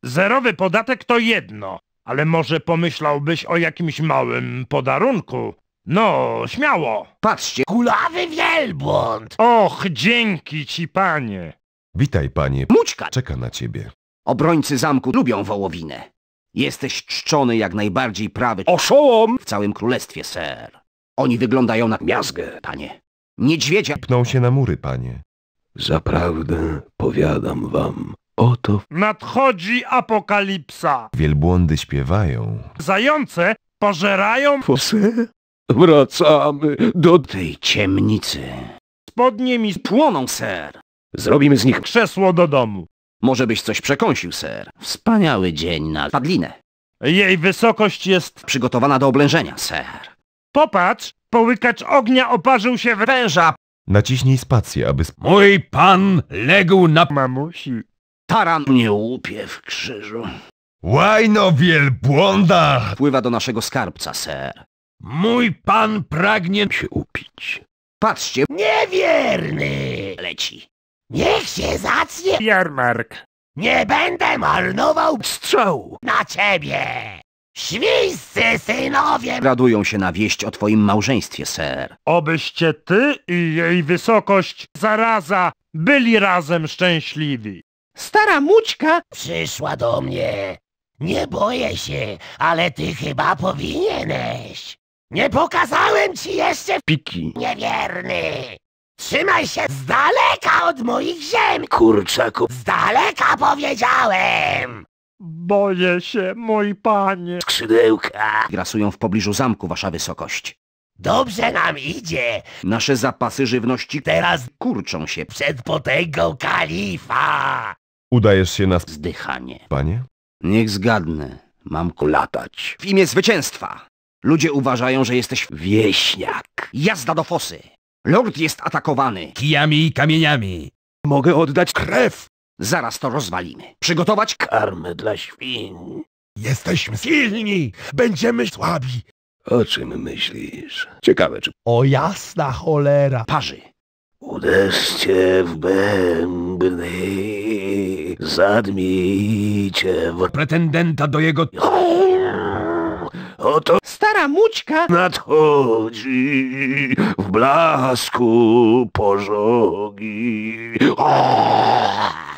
Zerowy podatek to jedno, ale może pomyślałbyś o jakimś małym podarunku? No, śmiało. Patrzcie, Kulawy wielbłąd! Och, dzięki ci, panie. Witaj, panie. Mućka! Czeka na ciebie. Obrońcy zamku lubią wołowinę. Jesteś czczony jak najbardziej prawy Oszołom! w całym królestwie, ser. Oni wyglądają na miazgę, panie. Niedźwiedzia... Pną się na mury, panie. Zaprawdę powiadam wam, oto Nadchodzi apokalipsa. Wielbłądy śpiewają. Zające pożerają fosy. Wracamy do... tej ciemnicy. spodnie mi Płoną, ser. Zrobimy z nich... krzesło do domu. Może byś coś przekąsił, ser. Wspaniały dzień na padlinę. Jej wysokość jest... Przygotowana do oblężenia, ser. Popatrz, połykacz ognia oparzył się w Węża, Naciśnij spację, aby... Mój pan legł na... mamusi. taran nie łupie w krzyżu. Łajno wielbłąda! Wpływa do naszego skarbca, ser. Mój pan pragnie się upić. Patrzcie, Niewierny! leci. Niech się zacnie! Jarmark. Nie będę marnował strzału na ciebie! Świńscy synowie! Radują się na wieść o twoim małżeństwie, ser. Obyście ty i jej wysokość, zaraza, byli razem szczęśliwi. Stara Mućka przyszła do mnie. Nie boję się, ale ty chyba powinieneś. Nie pokazałem ci jeszcze Piki. niewierny. Trzymaj się z daleka od moich ziem, kurczaku. Z daleka powiedziałem. Boję się, mój panie. Skrzydełka. Grasują w pobliżu zamku, wasza wysokość. Dobrze nam idzie. Nasze zapasy żywności Teraz kurczą się. przed potęgą kalifa. Udajesz się na... Zdychanie. Panie? Niech zgadnę. Mam latać. W imię zwycięstwa. Ludzie uważają, że jesteś Wieśniak. jazda do fosy. Lord jest atakowany. Kijami i kamieniami. Mogę oddać krew. Zaraz to rozwalimy. Przygotować Karmę dla świń. Jesteśmy silni. Będziemy słabi. O czym myślisz? Ciekawe, czy... O jasna cholera! parzy. Uderzcie w bębny. Zadmijcie w... pretendenta do jego... Oto Stara Mućka! nadchodzi w blasku pożogi.